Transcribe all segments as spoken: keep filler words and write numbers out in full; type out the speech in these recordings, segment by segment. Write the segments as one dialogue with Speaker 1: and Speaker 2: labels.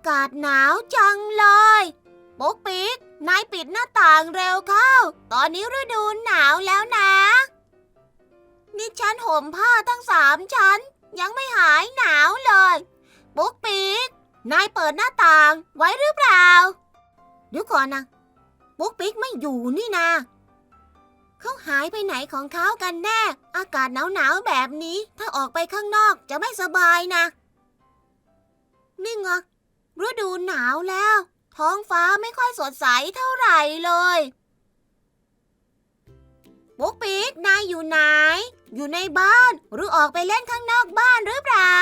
Speaker 1: ากาศหนาวจังเลยปุ๊กปิ๊กนายปิดหน้าต่างเร็วเข้าตอนนี้ฤดูหนาวแล้วนะนี่ฉันห่มผ้าตั้งสามชั้นยังไม่หายหนาวเลยปุ๊กปิ๊กนายเปิดหน้าต่างไว้หรือเปล่าเดี๋ยวก่อนนะปุ๊กปิ๊กไม่อยู่นี่นาเขาหายไปไหนของเขากันแน่อากาศหนาวๆแบบนี้ถ้าออกไปข้างนอกจะไม่สบายนะนี่ไงฤดูหนาวแล้วท้องฟ้าไม่ค่อยสดใสเท่าไหร่เลยปุ๊กปิ๊กนายอยู่ไหนอยู่ในบ้านหรือออกไปเล่นข้างนอกบ้านหรือเปล่า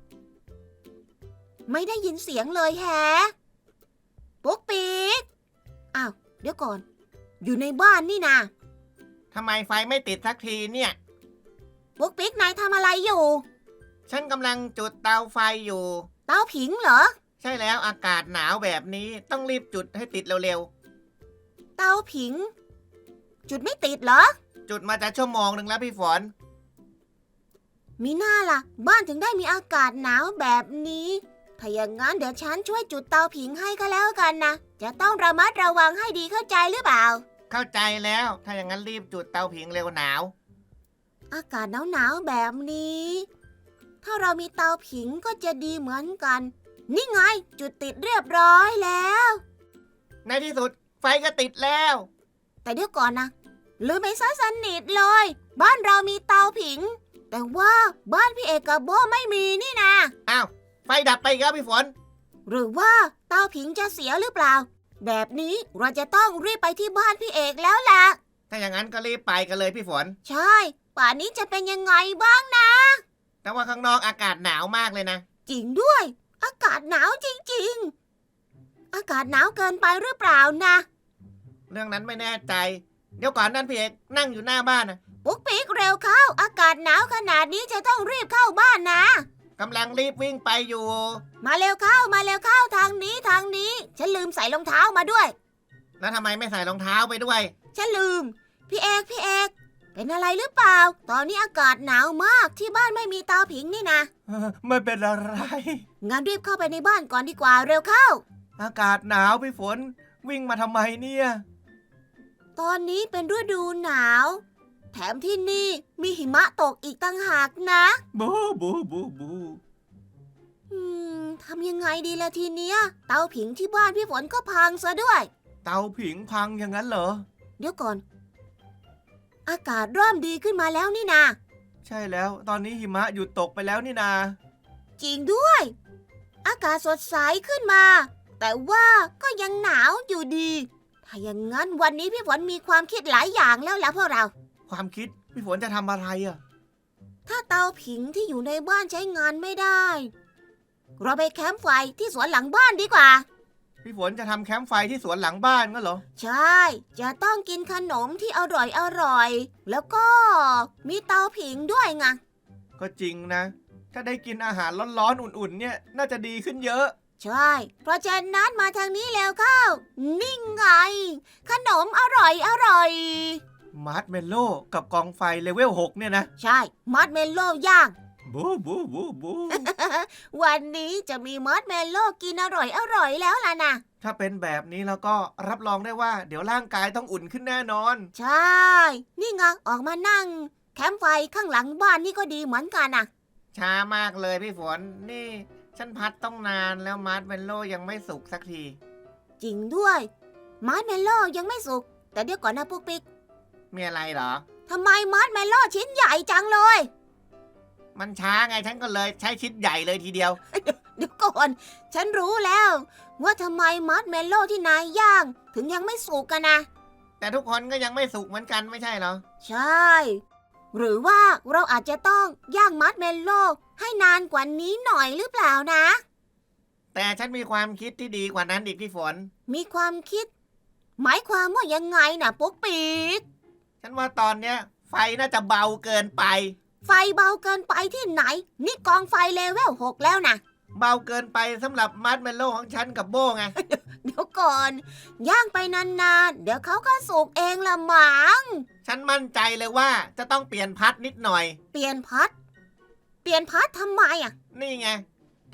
Speaker 1: ไม่ได้ยินเสียงเลยแฮะปุ๊กปิ๊กอ้าวเดี๋ยวก่อนอยู่ในบ้านนี่นา
Speaker 2: ทำไมไฟไม่ติดสักทีเนี่ย
Speaker 1: ปุ๊กปิ๊กนายทำอะไรอยู่
Speaker 2: ฉันกำลังจุดเตาไฟอยู่
Speaker 1: เตาผิงเหรอ
Speaker 2: ใช่แล้วอากาศหนาวแบบนี้ต้องรีบจุดให้ติดเร็ว
Speaker 1: ๆเตาผิงจุดไม่ติดเหรอ
Speaker 2: จุดมาจะชั่วโมงหนึ่งแล้วพี่ฝน
Speaker 1: มีหน้าล่ะบ้านถึงได้มีอากาศหนาวแบบนี้ถ้าอย่างนั้นเดี๋ยวฉันช่วยจุดเตาผิงให้ก็แล้วกันนะจะต้องระมัดระวังให้ดีเข้าใจหรือเปล่า
Speaker 2: เข้าใจแล้วถ้าอย่างนั้นรีบจุดเตาผิงเร็วหนาว
Speaker 1: อากาศหนาวๆแบบนี้ถ้าเรามีเตาผิงก็จะดีเหมือนกันนี่ไงจุดติดเรียบร้อยแล้ว
Speaker 2: ในที่สุดไฟก็ติดแล้ว
Speaker 1: แต่เดี๋ยวก่อนนะลืมไปซะสนิทเลยบ้านเรามีเตาผิงแต่ว่าบ้านพี่เอกกับโบไม่มีนี่นะ
Speaker 2: อ้าวไฟดับไปอีกแล้วพี่ฝน
Speaker 1: หรือว่าเตาผิงจะเสียหรือเปล่าแบบนี้เราจะต้องรีบไปที่บ้านพี่เอกแล้วล่ะ
Speaker 2: ถ้าอย่างนั้นก็รีบไปกันเลยพี่ฝน
Speaker 1: ใช่ป่านนี้จะเป็นยังไงบ้างนะ
Speaker 2: แต่ว่าข้างนอกอากาศหนาวมากเลยนะ
Speaker 1: จริงด้วยอากาศหนาวจริงๆอากาศหนาวเกินไปหรือเปล่านะ
Speaker 2: เรื่องนั้นไม่แน่ใจเดี๋ยวก่อนนั่นพี่เอกนั่งอยู่หน้าบ้านนะ
Speaker 1: ปุ๊กปิ๊กเร็วเข้าอากาศหนาวขนาดนี้จะต้องรีบเข้าบ้านนะ
Speaker 2: กำลังรีบวิ่งไปอยู่
Speaker 1: มาเร็วเข้ามาเร็วเข้าทางนี้ทางนี้ฉันลืมใส่รองเท้ามาด้วย
Speaker 2: แล้วทำไมไม่ใส่รองเท้าไปด้วย
Speaker 1: ฉันลืมพี่เอกพี่เอกเป็นอะไรหรือเปล่าตอนนี้อากาศหนาวมากที่บ้านไม่มีเตาผิงนี่นะ
Speaker 2: ไม่เป็นอะไร
Speaker 1: งั้นรีบเข้าไปในบ้านก่อนดีกว่าเร็วเข้า
Speaker 2: อากาศหนาวพี่ฝนวิ่งมาทำไมเนี่ย
Speaker 1: ตอนนี้เป็นฤดูหนาวแถมที่นี่มีหิมะตกอีกตั้งหากนะ
Speaker 2: บูบูบูบู
Speaker 1: อืมทำยังไงดีล่ะทีเนี้ยเตาผิงที่บ้านพี่ฝนก็พังซะด้วย
Speaker 2: เตาผิงพังอย่างนั้นเหรอ
Speaker 1: เดี๋ยวก่อนอากาศเริ่มดีขึ้นมาแล้วนี่นา
Speaker 2: ใช่แล้วตอนนี้หิมะหยุดตกไปแล้วนี่นา
Speaker 1: จริงด้วยอากาศสดใสขึ้นมาแต่ว่าก็ยังหนาวอยู่ดีถ้าอย่างนั้นวันนี้พี่ฝนมีความคิดหลายอย่างแล้วล่ะพวกเรา
Speaker 2: ความคิดพี่ฝนจะทำอะไรอ่ะ
Speaker 1: ถ้าเตาผิงที่อยู่ในบ้านใช้งานไม่ได้เราไปแคมป์ไฟที่สวนหลังบ้านดีกว่า
Speaker 2: พี่ฝนจะทำแคมป์ไฟที่สวนหลังบ้านงั้นเหรอ
Speaker 1: ใช่จะต้องกินขนมที่อร่อยอร่อยแล้วก็มีเตาผิงด้วยไง
Speaker 2: ก็จริงนะถ้าได้กินอาหารร้อนๆอุ่นๆเนี่ยน่าจะดีขึ้นเยอะ
Speaker 1: ใช่เพราะฉะนั้นมาทางนี้แล้วเข้านิ่งไงขนมอร่อยอร่อย
Speaker 2: มาร์ชเมลโล่กับกองไฟเลเวลหกเนี่ยนะ
Speaker 1: ใช่มาร์ชเมลโล่ย่าง
Speaker 2: บูบูบูบู
Speaker 1: วันนี้จะมีมาร์ชเมลโล่กินอร่อยอร่อยแล้วล่ะนะ
Speaker 2: ถ้าเป็นแบบนี้แล้วก็รับรองได้ว่าเดี๋ยวร่างกายต้องอุ่นขึ้นแน่นอน
Speaker 1: ใช่นี่ไงออกมานั่งแคมป์ไฟข้างหลังบ้านนี่ก็ดีเหมือนกันนะ
Speaker 2: ช้ามากเลยพี่ฝนนี่ฉันพัดต้องนานแล้วมาร์ชเมลโล่ยังไม่สุกสักที
Speaker 1: จริงด้วยมาร์ชเมลโล่ยังไม่สุกแต่เดี๋ยวก่อนนะปุ๊กปิ๊ก
Speaker 2: มีอะไรเหรอ
Speaker 1: ทำไมมาร์ชเมลโล่ชิ้นใหญ่จังเลย
Speaker 2: มันช้าไงฉันก็เลยใช้ชิ้นใหญ่เลยทีเดียว
Speaker 1: เดี๋ยวก่อนฉันรู้แล้วว่าทำไมมัดเมลโล่ที่นายย่างถึงยังไม่สุกกันนะ
Speaker 2: แต่ทุกคนก็ยังไม่สุกเหมือนกันไม่ใช่เหรอ
Speaker 1: ใช่หรือว่าเราอาจจะต้องย่างมัดเมลโล่ให้นานกว่านี้หน่อยหรือเปล่านะ
Speaker 2: แต่ฉันมีความคิดที่ดีกว่านั้นอีกพี่ฝน
Speaker 1: มีความคิดหมายความว่ายังไงนะปุ๊กปิ๊ก
Speaker 2: ฉันว่าตอนเนี้ยไฟน่าจะเบาเกินไป
Speaker 1: ไฟเบาเกินไปที่ไหนนี่กองไฟเลเวลหกแล้วนะ
Speaker 2: เบาเกินไปสำหรับมัดเมลโล่ของฉันกับโบ้ไง
Speaker 1: เดี๋ยวก่อนย่างไปนานๆเดี๋ยวเขาก็สุกเองละมั้ง
Speaker 2: ฉันมั่นใจเลยว่าจะต้องเปลี่ยนพัดนิดหน่อย
Speaker 1: เปลี่ยนพัดเปลี่ยนพัดทำไมอ่ะ
Speaker 2: นี่ไงท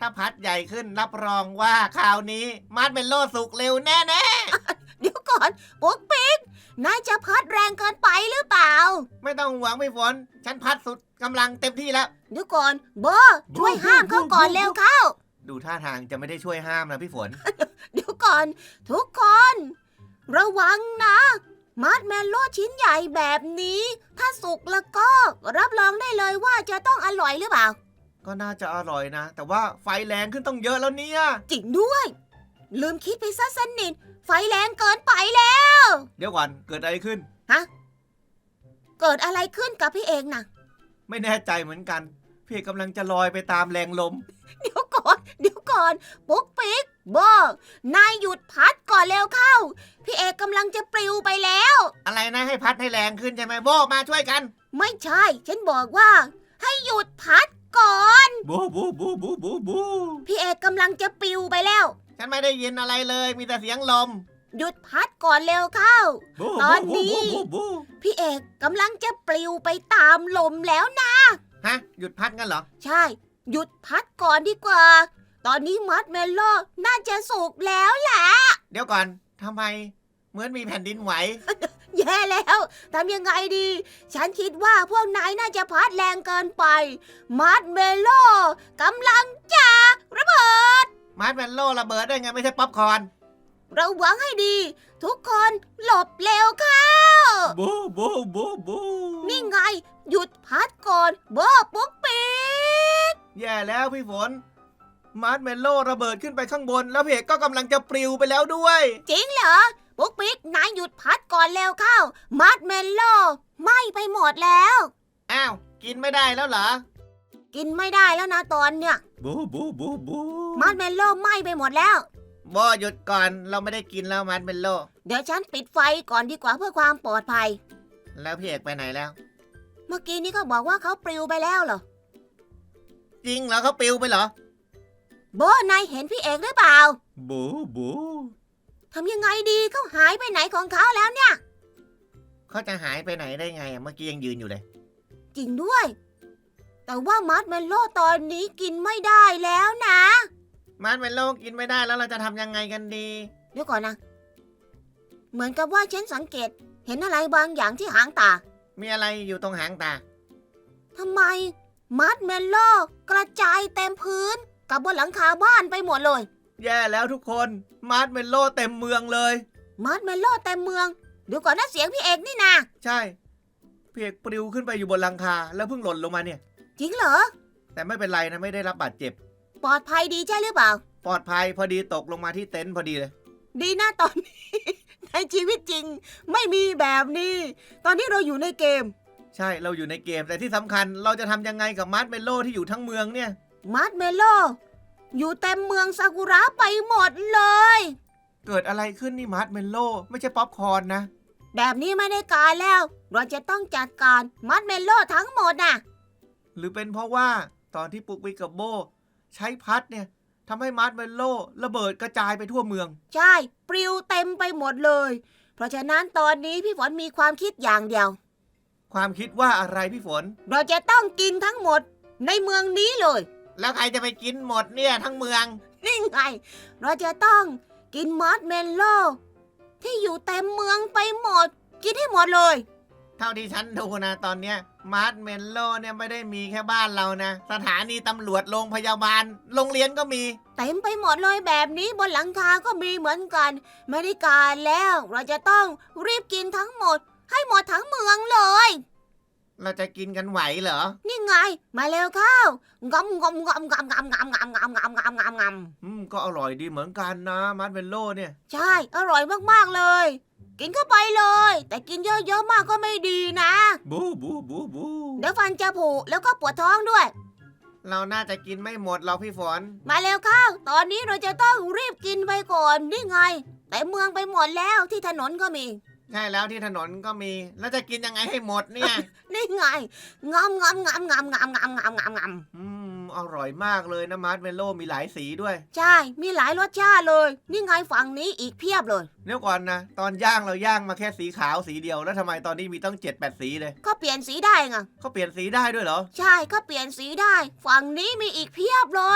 Speaker 2: ถ้าพัดใหญ่ขึ้นรับรองว่าคราวนี้มาร์ชเมลโล่สุกเร็วแน่
Speaker 1: เดี๋ยวก่อนปุ๊กปิ๊กนายจะพัดแรงเกินไปหรือเปล่า
Speaker 2: ๆไม่ต้องห่วงพี่ฝนฉันพัดสุดกำลังเต็มที่แล้ว
Speaker 1: เดี๋ยวก่อนโบช่วยห้ามเขาก่อนเร็วเข้า
Speaker 2: ดูท่าทางจะไม่ได้ช่วยห้ามนะพี่ฝน
Speaker 1: เดี๋ยวก่อน ทุกคน ระวังนะมาร์ชเมลโล่ชิ้นใหญ่แบบนี้ ถ้าสุกแล้วก็รับรองได้เลยว่าจะต้องอร่อยหรือเปล่า
Speaker 2: ก็น่าจะอร่อยนะ แต่ว่าไฟแรงขึ้นต้องเยอะแล้วเนี่ย
Speaker 1: จริงด้วย ลืมคิดไปซะสนิทไฟแรงเกินไปแล้ว
Speaker 2: เดี๋ยวก่อนเกิดอะไรขึ้น
Speaker 1: เกิดอะไรขึ้นกับพี่เอกนะ
Speaker 2: ไม่แน่ใจเหมือนกันพี่กำลังจะลอยไปตามแรงลม
Speaker 1: เดี๋ยวก่อนเดี๋ยวก่อนปุ๊กปิ๊กบอกนายหยุดพัดก่อนเร็วเข้า พี่เอกกำลังจะปลิวไปแล้ว
Speaker 2: อะไรนะให้พัดให้แรงขึ้นใช่ไหมโบมาช่วยกัน
Speaker 1: ไม่ใช่ ฉันบอกว่า ให้หยุดพัดก่อน
Speaker 2: บูบูบูบูบูบู
Speaker 1: พี่เอกกำลังจะปลิวไปแล้ว
Speaker 2: ฉันไม่ได้ยินอะไรเลยมีแต่เสียงลม
Speaker 1: หยุดพัดก่อนเร็วเข้า
Speaker 2: บู
Speaker 1: ตอนนี้
Speaker 2: บูบูบู
Speaker 1: พี่เอกกำลังจะปลิวไปตามลมแล้วนะ
Speaker 2: ฮะหยุดพัดกันเหรอ
Speaker 1: ใช่ หยุดพัดก่อนดีกว่า ตอนนี้มัดเมลโล่น่าจะสุกแล้วแหละ
Speaker 2: เดี๋ยวก่อนทำไมเหมือนมีแผ่นดินไหว
Speaker 1: แย่แล้วทำยังไงดี ฉันคิดว่าพวกนายน่าจะพัดแรงเกินไปมัดเมลโล่กำลังจะระเบิด
Speaker 2: มาร์ชเมลโล่ระเบิดได้ไงไม่ใช่ป๊อปคอร์น
Speaker 1: ระวังให้ดี ทุกคนหลบเร็วเข้า
Speaker 2: บูบูบูบู
Speaker 1: นี่ไง หยุดพัดก่อนโบปุ๊กปิ๊ก
Speaker 2: แย่แล้วพี่ฝนมาร์ชเมลโล่ระเบิดขึ้นไปข้างบน แล้วเพจก็กำลังจะปลิวไปแล้วด้วย
Speaker 1: จริงเหรอปุ๊กปิ๊กนายหยุดพัดก่อนเร็วเข้ามัดเมลโล่ไหม้ไปหมดแล้ว
Speaker 2: อ้าวกินไม่ได้แล้วเหรอ
Speaker 1: กินไม่ได้แล้วนะตอนเนี้ย
Speaker 2: บูบูบูบู
Speaker 1: มัดเมลโล่ไหม้ไปหมดแล้ว
Speaker 2: โบหยุดก่อนเราไม่ได้กินแล้วมาร์ชเมลโล่
Speaker 1: เดี๋ยวฉันปิดไฟก่อนดีกว่าเพื่อความปลอดภัย
Speaker 2: แล้วพี่เอกไปไหนแล้ว
Speaker 1: เมื่อกี้นี้ก็บอกว่าเขาปลิวไปแล้วเหรอ
Speaker 2: จริงเหรอเขาปลิวไปเหรอ
Speaker 1: โบนายเห็นพี่เอกหรือเปล่า
Speaker 2: บูบู
Speaker 1: ทำยังไงดีเขาหายไปไหนของเขาแล้วเนี่ย
Speaker 2: เขาจะหายไปไหนได้ไงอะเมื่อกี้ยังยืนอยู่เลย
Speaker 1: จริงด้วย แต่ว่ามัดเมลโล่ตอนนี้กินไม่ได้แล้วนะ
Speaker 2: มาร์ชเมลโล่กินไม่ได้แล้วเราจะทำยังไงกันดี
Speaker 1: เดี๋ยวก่อนนะ เหมือนกับว่าฉันสังเกตเห็นอะไรบางอย่างที่หางตา
Speaker 2: มีอะไรอยู่ตรงหางตา
Speaker 1: ทำไมมัดเมลโล่กระจายเต็มพื้นกับบนหลังคาบ้านไปหมดเลย
Speaker 2: แย่แล้วทุกคนมาร์ชเมลโล่เต็มเมืองเลย
Speaker 1: มัดเมลโล่เต็มเมืองเดี๋ยวก่อนนะเสียงพี่เอกนี่นะ
Speaker 2: ใช่พี่เอกปลิวขึ้นไปอยู่บนหลังคาแล้วเพิ่งหล่นลงมาเนี่ย
Speaker 1: จริงเหรอ
Speaker 2: แต่ไม่เป็นไรนะไม่ได้รับบาดเจ็บ
Speaker 1: ปลอดภัยดีใช่หรือเปล่า
Speaker 2: ปลอดภัยพอดีตกลงมาที่เต็นท์พอดีเลย
Speaker 1: ดีนะตอนนี้ ในชีวิตจริงไม่มีแบบนี้ ตอนนี้เราอยู่ในเกม
Speaker 2: ใช่เราอยู่ในเกมแต่ที่สำคัญเราจะทำยังไงกับมาร์ชเมลโล่ที่อยู่ทั้งเมืองเนี่ย
Speaker 1: มัดเมลโล่อยู่เต็มเมืองซากุระไปหมดเลย
Speaker 2: เกิดอะไรขึ้นนี่มาร์ชเมลโล่ไม่ใช่ป๊อปคอร์นนะ
Speaker 1: แบบนี้ไม่ได้การแล้ว เราจะต้องจัดการมัดเมลโล่ทั้งหมดน่ะ
Speaker 2: หรือเป็นเพราะว่าตอนที่ปุกวิกกับโบใช้พัดเนี่ยทำให้มาร์ชเมลโล่ระเบิดกระจายไปทั่วเมือง
Speaker 1: ใช่ปลิวเต็มไปหมดเลย เพราะฉะนั้นตอนนี้พี่ฝนมีความคิดอย่างเดียว
Speaker 2: ความคิดว่าอะไรพี่ฝน
Speaker 1: เราจะต้องกินทั้งหมดในเมืองนี้เลย
Speaker 2: แล้วใครจะไปกินหมดเนี่ยทั้งเมือง
Speaker 1: นี่ไง เราจะต้องกินมัดเมลโล่ที่อยู่เต็มเมืองไปหมด กินให้หมดเลย
Speaker 2: เท่าที่ฉันดูนะตอนเนี้ยมาร์ชเมลโล่เนี่ยไม่ได้มีแค่บ้านเรานะ สถานีตำรวจโรงพยาบาล โรงเรียนก็มี
Speaker 1: เต็มไปหมดเลยแบบนี้บนหลังคาก็มีเหมือนกัน ไม่ได้การแล้ว เราจะต้องรีบกินทั้งหมด ให้หมดทั้งเมืองเลย
Speaker 2: เราจะกินกันไหวเหรอ
Speaker 1: นี่ไง มาเร็วเข้างำงำงำงำงำงำงำงำงำงำงำง
Speaker 2: อืมก็อร่อยดีเหมือนกันนะมาร์ชเมลโล่เนี่ย
Speaker 1: ำใช่ อร่อยมากๆเลย กินเข้าไปเลย แต่กินเยอะๆมากก็ไม่ดีนะ
Speaker 2: บูบูบูบู
Speaker 1: เดี๋ยวฟันจะผุแล้วก็ปวดท้องด้วย
Speaker 2: เราน่าจะกินไม่หมดหรอกพี่ฝน
Speaker 1: มาเร็วเข้า ตอนนี้เราจะต้องรีบกินไปก่อน นี่ไง แต่เมืองไปหมดแล้วที่ถนนก็มี
Speaker 2: ใช่แล้วที่ถนนก็มี แล้วจะกินยังไงให้หมดเนี่ย
Speaker 1: นี่ไงงำงำงำงำงำงำงำงำงำ
Speaker 2: อืมอร่อยมากเลยนะมาร์ชเมลโล่มีหลายสีด้วย
Speaker 1: ใช่ มีหลายรสชาติเลย นี่ไงฝั่งนี้อีกเพียบเลย
Speaker 2: เดี๋ยวก่อนนะ ตอนย่างเราย่างมาแค่สีขาวสีเดียวแล้วทำไมตอนนี้มีต้องเจ็ดแปดสีเลย
Speaker 1: ก็เปลี่ยนสีได้ไง
Speaker 2: เขาเปลี่ยนสีได้ด้วยเหรอ
Speaker 1: ใช่ก็เปลี่ยนสีได้ ฝั่งนี้มีอีกเพียบเลย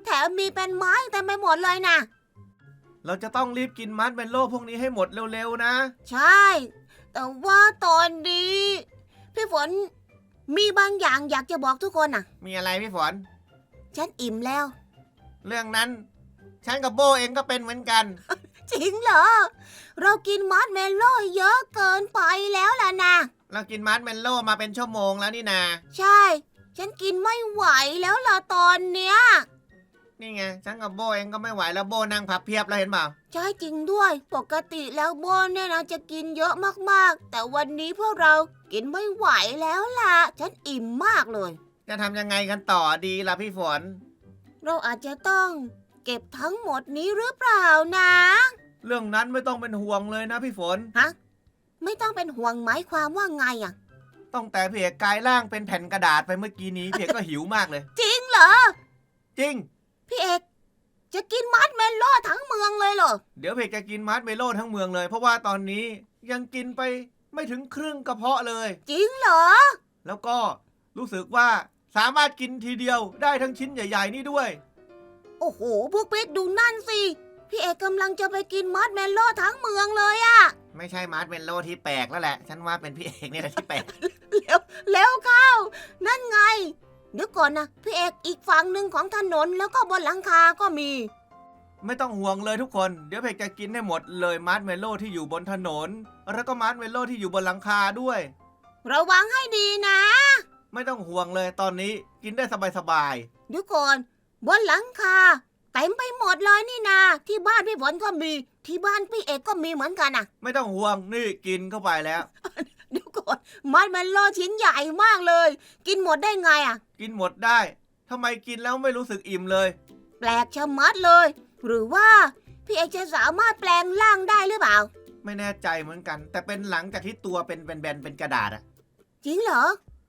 Speaker 1: แถมมีเป็นไม้เต็มไปหมดเลยนะ
Speaker 2: เราจะต้องรีบกินมัดเมลโล่พวกนี้ให้หมดเร็วๆนะ
Speaker 1: ใช่ แต่ว่าตอนนี้พี่ฝนมีบางอย่างอยากจะบอกทุกคนน่ะ
Speaker 2: มีอะไรพี่ฝน
Speaker 1: ฉันอิ่มแล้ว
Speaker 2: เรื่องนั้น ฉันกับโบเองก็เป็นเหมือนกัน
Speaker 1: จริงเหรอ เรากินมัดเมลโล่เยอะเกินไปแล้วล่ะนะ
Speaker 2: เรากินมัดเมลโล่มาเป็นชั่วโมงแล้วนี่นา
Speaker 1: ใช่ ฉันกินไม่ไหวแล้วล่ะตอนเนี้ย
Speaker 2: นี่ไง ฉันกับโบเองก็ไม่ไหวแล้วโบนั่งพับเพียบแล้วเห็นเปล่า
Speaker 1: ใช่จริงด้วย ปกติแล้วโบนเนี่ยนะจะกินเยอะมากๆ แต่วันนี้พวกเรากินไม่ไหวแล้วล่ะ ฉันอิ่มมากเลย
Speaker 2: จะทำยังไงกันต่อดีล่ะพี่ฝน
Speaker 1: เราอาจจะต้องเก็บทั้งหมดนี้หรือเปล่านะ
Speaker 2: เรื่องนั้นไม่ต้องเป็นห่วงเลยนะพี่ฝน
Speaker 1: ฮะ ไม่ต้องเป็นห่วงหมายความว่าไงอ่ะ
Speaker 2: ต้องแต่พี่เอกกลายร่างเป็นแผ่นกระดาษไปเมื่อกี้นี้พี่เอกก็หิวมากเลย
Speaker 1: จริงเหรอ
Speaker 2: จริง
Speaker 1: พี่เอกจะกินมัดเมลโล่ทั้งเมืองเลยเหรอ
Speaker 2: เดี๋ยวพี่เอกจะกินมัดเมลโล่ทั้งเมืองเลย เพราะว่าตอนนี้ยังกินไปไม่ถึงครึ่งกระเพาะเลย
Speaker 1: จริงเหรอ
Speaker 2: แล้วก็รู้สึกว่าสามารถกินทีเดียวได้ทั้งชิ้นใหญ่ๆนี่ด้วย
Speaker 1: โอ้โหพวกปิ๊กดูนั่นสิ พี่เอกกำลังจะไปกินมัดเมลโล่ทั้งเมืองเลยอะ
Speaker 2: ไม่ใช่มัดเมลโล่ที่แปลกแล้วแหละ ฉันว่าเป็นพี่เอกนี่แหละที่แปลก
Speaker 1: เร็วเร็วเข้า นั่นไง เดี๋ยวก่อนนะพี่เอกอีกฝั่งหนึ่งของถนนแล้วก็บนหลังคาก็มี
Speaker 2: ไม่ต้องห่วงเลยทุกคน เดี๋ยวพี่เอกจะกินให้หมดเลยมัดเมลโล่ที่อยู่บนถนน แล้วก็มัดเมลโล่ที่อยู่บนหลังคาด้วย
Speaker 1: ระวังให้ดีนะ
Speaker 2: ไม่ต้องห่วงเลยตอนนี้กินได้สบาย
Speaker 1: เดี๋ยวก่อนบนหลังคาเต็มไปหมดเลยนี่นาที่บ้านพี่ฝนก็มีที่บ้านพี่เอกก็มีเหมือนกันอ่ะ
Speaker 2: ๆไม่ต้องห่วงนี่กินเข้าไปแล้ว
Speaker 1: เดี๋ยวก่อนมัดเมลโล่ชิ้นใหญ่มากเลย กินหมดได้ไงอ่ะ
Speaker 2: กินหมดได้ทำไมกินแล้วไม่รู้สึกอิ่มเลย
Speaker 1: แปลกชะมัดเลย หรือว่าพี่เอกจะสามารถแปลงร่างได้หรือเปล่า
Speaker 2: ไม่แน่ใจเหมือนกัน แต่เป็นหลังจากที่ตัวเป็นแบนๆเป็นกระดาษอะ
Speaker 1: จริงเหรอ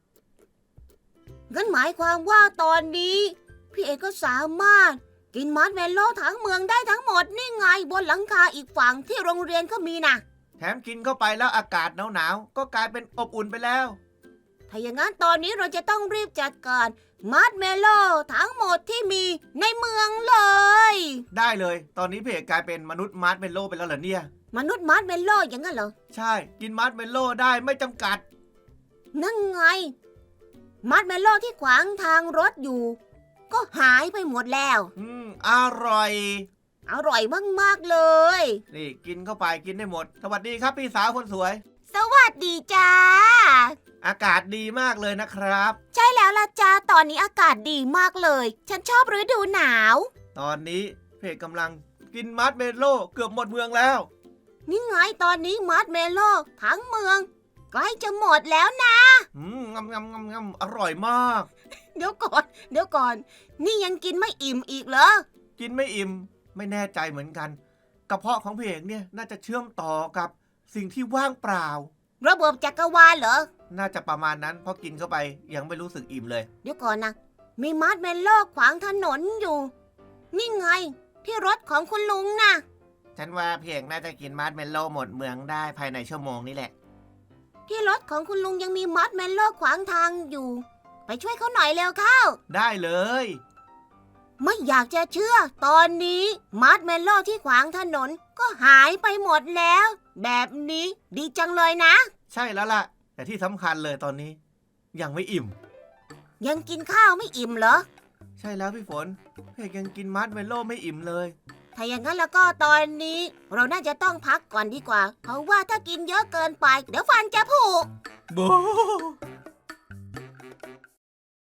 Speaker 1: งั้นหมายความว่าตอนนี้พี่เอกก็สามารถกินมัดเมลโล่ทั้งเมืองได้ทั้งหมดนี่ไงบนหลังคาอีกฝั่งที่โรงเรียนก็มีนะ
Speaker 2: แถมกินเข้าไปแล้วอากาศหนาวๆก็กลายเป็นอบอุ่นไปแล้ว
Speaker 1: ถ้าอย่างนั้นตอนนี้เราจะต้องรีบจัดการมัดเมลโล่ทั้งหมดที่มีในเมืองเลย
Speaker 2: ได้เลย ตอนนี้พี่เอกกลายเป็นมนุษย์มาร์ชเมลโล่ไปแล้วเหรอเนี่ย
Speaker 1: มนุษย์มัดเมลโล่อย่างนั้นเหรอ
Speaker 2: ใช่กินมาร์ชเมลโล่ได้ไม่จำกัด
Speaker 1: นั่นไง มัดเมลโล่ที่ขวางทางรถอยู่ ก็หายไปหมดแล้ว
Speaker 2: อืมอร่อย
Speaker 1: อร่อยมากๆเลย
Speaker 2: นี่กินเข้าไปกินได้หมด สวัสดีครับพี่สาวคนสวย
Speaker 1: สวัสดีจ้า
Speaker 2: อากาศดีมากเลยนะครับ
Speaker 1: ใช่แล้วล่ะจ้าตอนนี้อากาศดีมากเลย ฉันชอบฤดูหนาว
Speaker 2: ตอนนี้พี่เอกกำลังกินมาร์ชเมลโล่เกือบหมดเมืองแล้ว
Speaker 1: นี่ไงตอนนี้มัดเมลโล่ทั้งเมืองใกล้จะหมดแล้วนะ
Speaker 2: อืมงำงำงำงำอร่อยมาก
Speaker 1: เดี๋ยวก่อน เดี๋ยวก่อน นี่ยังกินไม่อิ่มอีกเหรอ
Speaker 2: กินไม่อิ่มไม่แน่ใจเหมือนกันกระเพาะของพี่เอกเนี่ยน่าจะเชื่อมต่อกับสิ่งที่ว่างเปล่า
Speaker 1: ระบบจักรวาลเหรอ
Speaker 2: น่าจะประมาณนั้นเพราะกินเข้าไปยังไม่รู้สึกอิ่มเลย
Speaker 1: เดี๋ยวก่อนนะ มีมัดเมลโล่ขวางถนนอยู่ นี่ไง ที่รถของคุณลุงนะ
Speaker 2: ฉันว่าพี่เอกน่าจะกินมาร์ชเมลโล่หมดเมืองได้ภายในชั่วโมงนี้แหละ
Speaker 1: ที่รถของคุณลุงยังมีมัดเมลโล่ขวางทางอยู่ ไปช่วยเขาหน่อยเร็วเข้า
Speaker 2: ได้เลย
Speaker 1: ไม่อยากจะเชื่อ ตอนนี้มัดเมลโล่ที่ขวางถนนก็หายไปหมดแล้ว แบบนี้ดีจังเลยนะ
Speaker 2: ใช่แล้วล่ะ แต่ที่สำคัญเลยตอนนี้ ยังไม่อิ่ม
Speaker 1: ยังกินข้าวไม่อิ่มเหรอ
Speaker 2: ใช่แล้วพี่ฝนพี่เอกยังกินมาร์ชเมลโล่ไม่อิ่มเลย
Speaker 1: ถ้าอย่างนั้นแล้วก็ตอนนี้ เราน่าจะต้องพักก่อนดีกว่า เพราะว่าถ้ากินเยอะเกินไป เดี๋ยวฟันจะผุ
Speaker 2: โบ้